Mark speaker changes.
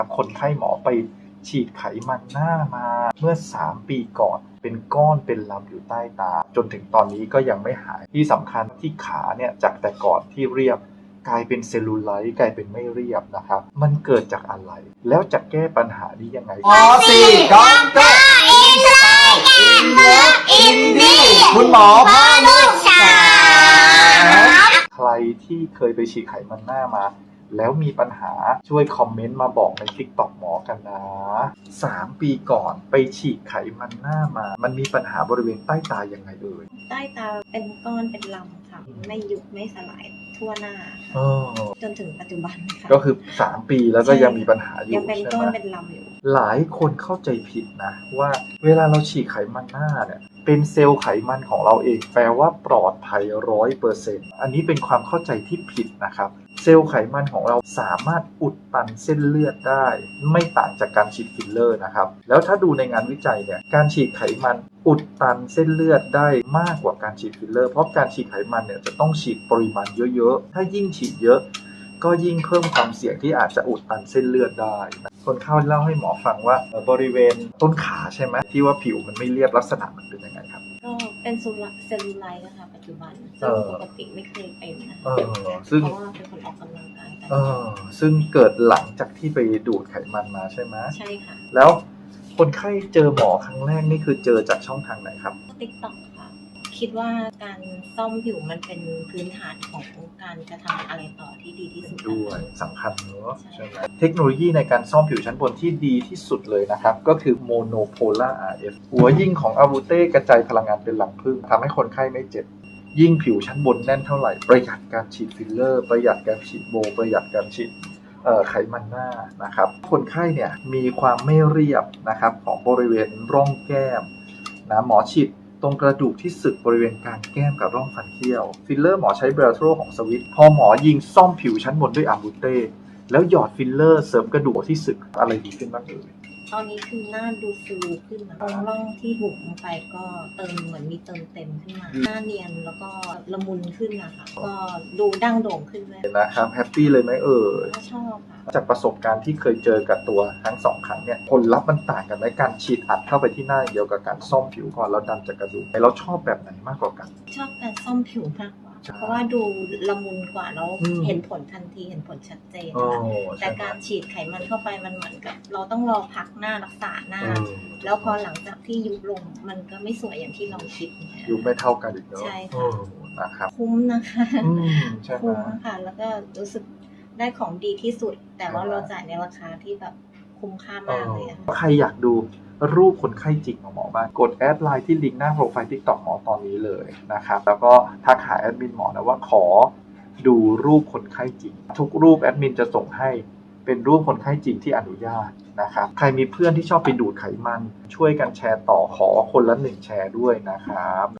Speaker 1: คนไข้หมอไปฉีดไขมันหน้ามาเมื่อ3 ปีก่อนเป็นก้อนเป็นลำอยู่ใต้ตาจนถึงตอนนี้ก็ยังไม่หายที่สำคัญที่ขาเนี่ยจากแต่ก่อนที่เรียบกลายเป็นเซลลูไลท์กลายเป็นไม่เรียบนะครับมันเกิดจากอะไรแล้วจะแก้ปัญหานี้ยังไง
Speaker 2: ด็อกเตอร์อินไซด์อินเลิฟอินดี้
Speaker 1: คุณหมอ
Speaker 2: พานุชา
Speaker 1: ใครที่เคยไปฉีดไขมันหน้ามาแล้วมีปัญหาช่วยคอมเมนต์มาบอกใน TikTok หมอกันนะ3 ปีก่อนไปฉีดไขมันหน้ามามันมีปัญหาบริเวณใต้ตายังไงเอ่ย
Speaker 3: ใต้ตาเป็นก้อนเป็นลำค่ะไม่ยุบไม่สลายทั่วหน้าจนถึงปัจจุบันค่ะ
Speaker 1: ก็คือ3 ปีแล้วก็ยังมีปัญหาอยู่
Speaker 3: ยังเป็นก้อนเป็นลำอยู่
Speaker 1: หลายคนเข้าใจผิดนะว่าเวลาเราฉีดไขมันหน้าเนี่ยเป็นเซลล์ไขมันของเราเองแปลว่าปลอดภัย 100% อันนี้เป็นความเข้าใจที่ผิดนะครับเซลล์ไขมันของเราสามารถอุดตันเส้นเลือดได้ไม่ต่างจากการฉีดฟิลเลอร์นะครับแล้วถ้าดูในงานวิจัยเนี่ยการฉีดไขมันอุดตันเส้นเลือดได้มากกว่าการฉีดฟิลเลอร์เพราะการฉีดไขมันเนี่ยจะต้องฉีดปริมาณเยอะๆถ้ายิ่งฉีดเยอะก็ยิ่งเพิ่มความเสี่ยงที่อาจจะอุดตันเส้นเลือดได้คนเข้าเล่าให้หมอฟังว่าบริเวณต้นขาใช่ไหมที่ว่าผิวมันไม่เรียบลักษณะมันเป็นยังไงครับ
Speaker 3: ก็เป็นเซลลูไลท์นะคะปัจจุบันซึ่งปกติไม่เคยเป็นนะคะเพราะว่าเป็นคนออกกำลังกาย
Speaker 1: ซึ่งเกิดหลังจากที่ไปดูดไขมันมาใช่ไหม
Speaker 3: ใช่ค่ะ
Speaker 1: แล้วคนไข้เจอหมอครั้งแรกนี่คือเจอจากช่องทางไหนครับ
Speaker 3: TikTok ค่ะคิดว่าการซ่อมผิวมันเป็นพื้นฐานของการจะทำอะไรต่อที่ดีที่สุด
Speaker 1: ด้วยสำคัญเนอะใช่ไหมเทคโนโลยีในการซ่อมผิวชั้นบนที่ดีที่สุดเลยนะครับก็คือ Monopolar RF หัวยิ่งของอาบูเต้กระจายพลังงานเป็นหลังพึ่งทำให้คนไข้ไม่เจ็บยิ่งผิวชั้นบนแน่นเท่าไหร่ประหยัดการฉีดฟิลเลอร์ประหยัดการฉีดโบประหยัดการฉีดไขมันหน้านะครับคนไข้เนี่ยมีความไม่เรียบนะครับของบริเวณร่องแก้มนะหมอฉีดตรงกระดูกที่สึกบริเวณกลางแก้มกับร่องฟันเคี้ยวฟิลเลอร์หมอใช้เบลโทรของสวิตพอหมอยิงซ่อมผิวชั้นบนด้วยอาบูเต้แล้วหยอดฟิลเลอร์เสริมกระดูกที่สึกอะไรดีขึ้นบ้างเอ่ย
Speaker 3: ตอนนี้คือหน้าดูฟูขึ้นนะตรงร่องที่บุ๋มลงไปก็เติมเหมือนมีเติมเต็มขึ้นมาหน้าเนียนแล้วก็ละมุนขึ้นนะคะก็ดูดั้งโด่งขึ้นเลย
Speaker 1: นะครับแฮปปี้เลยไหมเอ่ย
Speaker 3: ชอบค่ะ
Speaker 1: จากประสบการณ์ที่เคยเจอกับตัวทั้ง2 ครั้งเนี่ยผลลัพธ์มันต่างกันไหมการฉีดอัดเข้าไปที่หน้าเดียวกับการซ่อมผิวก่อนแล้วดันจากกระดูกเราชอบแบบไหนมากกว่ากัน
Speaker 3: ชอบการซ่อมผิวมากกว่าเพราะว่าดูละมุนกว่าแล้วเห็นผลทันทีเห็นผลชัดเจนแต่การฉีดไขมันเข้าไปมันเหมือนกับเราต้องรอพักหน้ารักษาหน้าแล้วพอหลังจากที่ยุบลงมันก็ไม่สวยอย่างที่เราคิด
Speaker 1: ยุบไม่เท่ากันอีกเนาะ
Speaker 3: ใช่ค่ะ
Speaker 1: นะครับ
Speaker 3: คุ้มนะคะคุ้มค่ะแล้วก็รู้สึกได้ของดีที่สุดแต่ว่าเราจ่ายในราคาที่แบบคุ้มค่ามากเลย
Speaker 1: ใครอยากดูรูปคนไข้จริงของหมอบ้างกดแอดไลน์ที่ลิงก์หน้าโปรไฟล์ TikTok หมอตอนนี้เลยนะครับแล้วก็ทักหาแอดมินหมอนะว่าขอดูรูปคนไข้จริงทุกรูปแอดมินจะส่งให้เป็นรูปคนไข้จริงที่อนุญาตนะครับใครมีเพื่อนที่ชอบไปดูดไขมันช่วยกันแชร์ต่อขอคนละ1 แชร์ด้วยนะครับ